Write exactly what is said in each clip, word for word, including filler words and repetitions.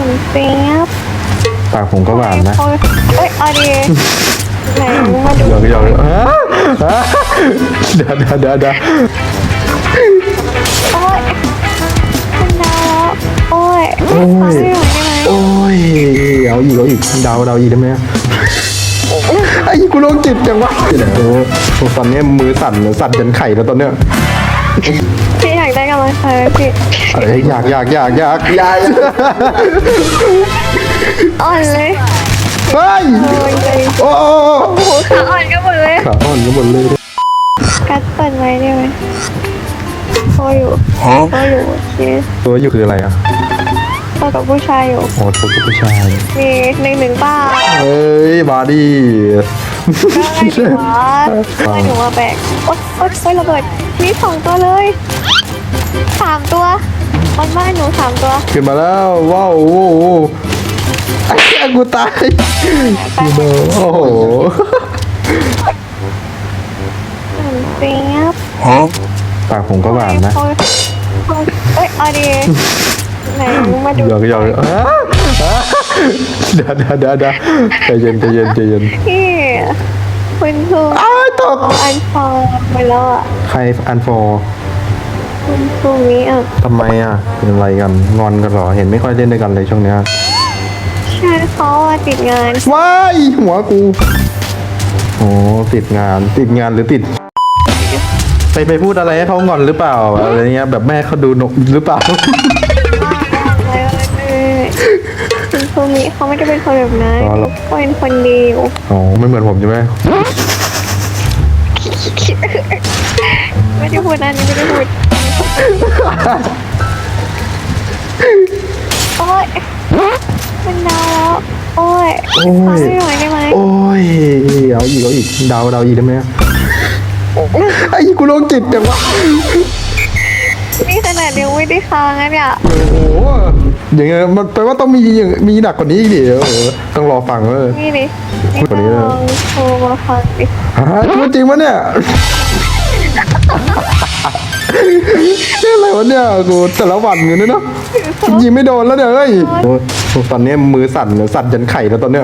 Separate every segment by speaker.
Speaker 1: เปียบ
Speaker 2: ปากผมก็หวานนะ
Speaker 1: เอ้ยเอาดีไหนมาดู
Speaker 2: หยอกหยอกฮะฮะเดี๋ยวเดี๋ยวเดี๋ยวเดี๋ยว
Speaker 1: โอ้ยมันดาวโอ้ย
Speaker 2: โอ้
Speaker 1: ขอย ให้หน่อยได้ไหม
Speaker 2: โอ้ยเอาอีกเอาอีกเดาเดาอีกได้ไหมไอ้กูโรคจิตจังวะโอ้โหตอนนี้มือสั่นสั่นจนไข่แล้วตอนเนี้ย
Speaker 1: พี่อยากได้กำลังใจไหมพี่
Speaker 2: เอ้ยอยากอยากอยากอยากอยาก
Speaker 1: อ่อนเลย
Speaker 2: เฮ้ย
Speaker 1: โอ้ยใจ
Speaker 2: โอ้
Speaker 1: โอ้โหขาอ่อนก็หมดเลย
Speaker 2: ขาอ่อนก็หมดเลย
Speaker 1: กัดเปิดไว้ได้ไหมโออยู่โออยู่เคส
Speaker 2: ตัวอยู่คืออะไรอ่ะ
Speaker 1: โอกับผู้ชายอยู่
Speaker 2: โอ้ตัวผู้ชาย
Speaker 1: มีหนึ่งหนึ่งป้า
Speaker 2: เอ้ยบาดี้
Speaker 1: ก็ไงดีวะทำไมหนูมาแบกโอ๊ยโอ๊ยโอ๊ยระเบิดมีสองตัวเลยสามตัวบนบ้านหนูสามตัว
Speaker 2: ขึ้นมาแล้วว้าวโอ้โหไอ้เหี้ยกูตายโอ้โห
Speaker 1: เปียบ
Speaker 2: ปากผมก็หวานนะ
Speaker 1: โอ้ยโอ๊ยเอ้ยเอาดีไหนมาดู
Speaker 2: หยอกหยอกฮะฮะเดี๋ยวเดี๋ยวเดี๋ยวเดี๋ยวใจเย็นใจเย็นใจเย็น
Speaker 1: พี่คุณครู
Speaker 2: อ้าวตก
Speaker 1: อันฟองไปแล้วอ่ะ
Speaker 2: ใครอันฟอร์
Speaker 1: คุณครูนี้อ่ะ
Speaker 2: ทำไมอ่ะเป็นอะไรกันงอนกันเหรอเห็นไม่ค่อยเล่นด้วยกันเลยช่วงเนี้ย
Speaker 1: ใช่เขาอะติดงาน
Speaker 2: ว้ายหัวกูโอ้ติดงานติดงานหรือติด ไปไปพูดอะไรให้เขางอนหรือเปล่าอะไรเงี้ยแบบแม่เขาดูหนกหรือเปล่า
Speaker 1: อะไรเลยคุณครูนี้เขาไม่ได้เป็นคนแบบนั้น
Speaker 2: อ๋อเหรอ
Speaker 1: เขาเป็นคนดีอยู่
Speaker 2: อ๋อไม่เหมือนผมใช่ไหม
Speaker 1: ไม่ได้พูดนะนี่ไม่ได้พูดโอ้ยมันดาวแล้วโอ้ย
Speaker 2: โอ้
Speaker 1: ขอย ให้หน่อยได้ไหม
Speaker 2: โอ้ยเอาอีกเอาอีกเดาเดาอีกได้ไหมไอ้กูโรคจิตจังวะ
Speaker 1: นี่ขนาดยังไม่ได้ค้างนะเนี่ย
Speaker 2: โอ้โหอย่างเงี้ยมันแปลว่าต้องมีอย่างมีหนักกว่านี้อีกดิเออต้องรอฟังเออ
Speaker 1: นี่ดิ
Speaker 2: พูดกว่านี้
Speaker 1: นี่
Speaker 2: เลย
Speaker 1: ลองโทรมาฟังดิ
Speaker 2: ฮะพูดจริงปะเนี่ยนี่อะไรวะเนี่ยกูแต่ละวันเงี้ยเนาะยิงไม่โดนแล้วเนี่ยเฮ้ยโอ้ยตอนนี้มือสั่นสั่นจนไข่แล้วตอนเนี้ย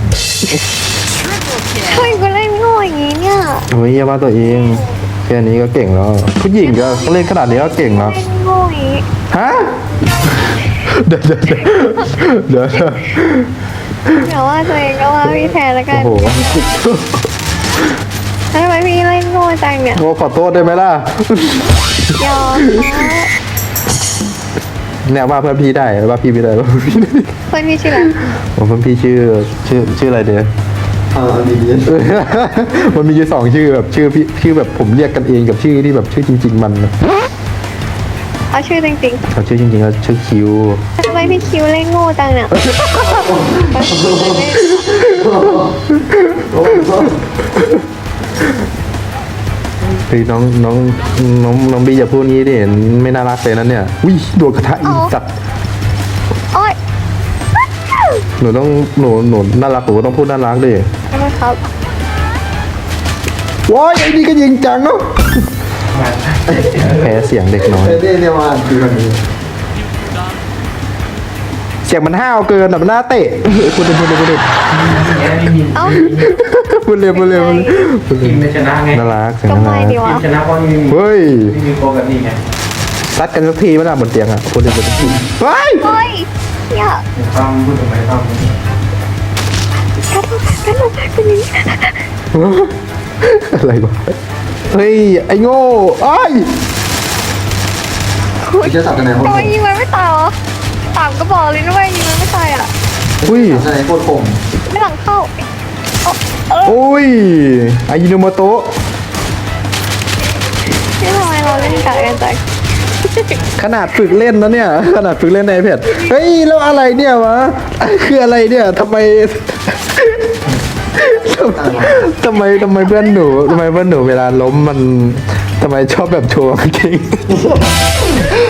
Speaker 1: เฮ้ยกูเล่นโง่อย่างงี้เนี่ย
Speaker 2: โอ้ยอย่าว่าตัวเองแค่นี้ก็เก่งแล้วผู้หญิงก็เล่นขนาดนี้ก็เก่งแล้ว
Speaker 1: เล่นโง่อย่างงี้
Speaker 2: ฮะเดี๋ยวเดี๋ยวเดี๋ยวเดี๋ยว
Speaker 1: เดี๋ยวว่าตัวเองก็ว่าพี่แทนแล้วกั
Speaker 2: โอ้
Speaker 1: น
Speaker 2: โห
Speaker 1: ทำไมพี่เล่นโง่จังเนี่ย
Speaker 2: โอ้ขอโทษได้ไหมล่ะ
Speaker 1: ยอมนะ
Speaker 2: เนี่ยว่าเพื่อนพี่ได้ว่าพี่ไม่ได้ว่าพี่ไม่ได้
Speaker 1: เพื่อนพี่ชื่ออะไร
Speaker 2: ผมเพื่อนพี่ชื่อชื่อชื่ออะไรเดี๋ยว
Speaker 3: เออดีดี
Speaker 2: มันมีอยู่สองชื่อแบบชื่อพี่ชื่อแบบผมเรียกกันเองกับชื่อที่แบบชื่อจริง ๆ มันนะ
Speaker 1: เอาชื่อจริง
Speaker 2: เขาชื่อจริงๆแล้วชื่อคิว
Speaker 1: ๆทำไมพี่คิวเล่นโง่จังเนี่ย
Speaker 2: เฮ้ยน้องน้องน้องน้องบีอย่าพูดงี้ดิไม่น่ารักเลยนะเนี่ยวิโดนกระทะอีกจัด
Speaker 1: โอ๊ย
Speaker 2: หนูต้องหนูหนูน่ารักหนูก็ต้องพูดน่ารักดิ
Speaker 1: ทำไมครับ
Speaker 2: ว้ายไอ้นี่ก็ยิงจังเนาะแพ้เสียงเด็กน้อย
Speaker 3: เอเดนเนี่ยมาคือคนนี้
Speaker 2: เสียงมันห้าวเกินแบบมันน่าเตะพูดเล่นพูดเล่นพูดเล่น
Speaker 1: เอ้า
Speaker 2: พูดเล่นพูดเล่นพูดเล่น
Speaker 4: ทีมไม่ชนะไง
Speaker 2: น่ารักเสียง
Speaker 1: ก็
Speaker 2: น่า
Speaker 1: ไม่
Speaker 2: รัก
Speaker 1: ดีวะ
Speaker 4: ชนะเพราะมี
Speaker 2: เฮ้ย
Speaker 4: ไม่มีโปรกับนี่ไง
Speaker 2: ซัดกันสักทีไหมล่ะบนเตียงอ่ะพูดเล่นพูดเล่นเฮ้ย
Speaker 1: โอ๊ยเนี่ย
Speaker 4: ต้องพูดถึงไหนต้อง
Speaker 1: กันลงกันลงกันนี้
Speaker 2: อะไรวะเฮ้ยไอ้โง่ไอ้ย
Speaker 3: ไม่ใช่สับกันไหนคน
Speaker 1: ทำ
Speaker 3: ผ
Speaker 1: ไม
Speaker 3: ม
Speaker 1: ยิงมันไม่ตายวะสามก็บอกเลยนะว่ายิงมันไม่ตายอ่ะ
Speaker 2: อุ้ย
Speaker 3: สับกันไหนโคตรผม
Speaker 1: ไม่หลังเข้าเอ้าเออ
Speaker 2: อุ้ยอายิโนโมโตะ
Speaker 1: นี่ทำไมเราเล่นกันกันจัง
Speaker 2: ขนาดฝึกเล่นนะเนี่ย ขนาดฝึกเล่นในเพจเฮ้ยแล้วอะไรเนี่ยวะคืออะไรเนี่ยทำไมทำไมทำไมเพื่อนหนูทำไมเพื่อนหนูเวลาล้มมันทำไมชอบแบบโชว์จริง